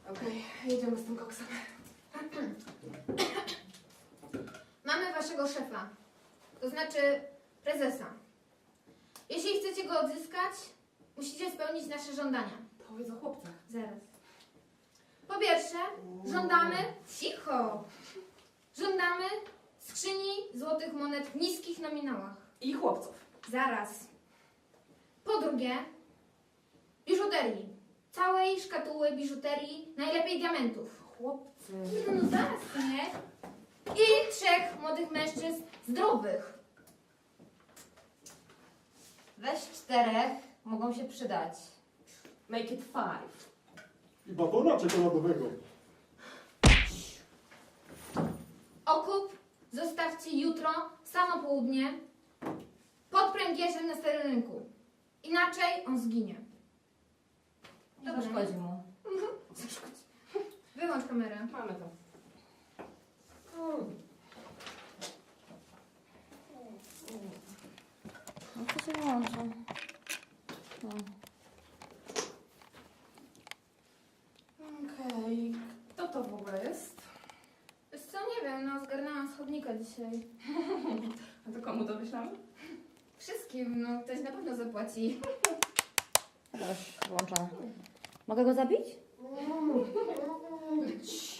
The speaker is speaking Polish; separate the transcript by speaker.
Speaker 1: Okej, jedziemy z tym koksem.
Speaker 2: Mamy waszego szefa, to znaczy prezesa. Jeśli chcecie go odzyskać, musicie spełnić nasze żądania.
Speaker 1: Powiedz o chłopcach.
Speaker 2: Zaraz. Po pierwsze, żądamy... Cicho! Żądamy skrzyni złotych monet w niskich nominałach.
Speaker 1: I chłopców.
Speaker 2: Zaraz. Po drugie, biżuterii. Całej szkatuły biżuterii, najlepiej diamentów.
Speaker 1: Chłopcy.
Speaker 2: No zaraz, nie? I 3 młodych mężczyzn zdrowych.
Speaker 3: Weź 4, mogą się przydać.
Speaker 1: Make it 5.
Speaker 4: I batona czekoladowego.
Speaker 2: Okup zostawcie jutro, samo południe, pod pręgierzem na starym rynku. Inaczej on zginie.
Speaker 3: Nie
Speaker 2: Dobra.
Speaker 3: zaszkodzi mu.
Speaker 2: Zaszkodzi. Wyłącz kamerę.
Speaker 1: Mamy to.
Speaker 3: No to się włączy. No.
Speaker 1: Okej, kto to w ogóle jest?
Speaker 2: Wiesz co, nie wiem, no zgarnęłam schodnika dzisiaj.
Speaker 1: A to komu to wyślamy?
Speaker 2: Wszystkim, no ktoś na pewno zapłaci.
Speaker 3: Dobra, już włączone. Mogę go zabić?
Speaker 1: Cii.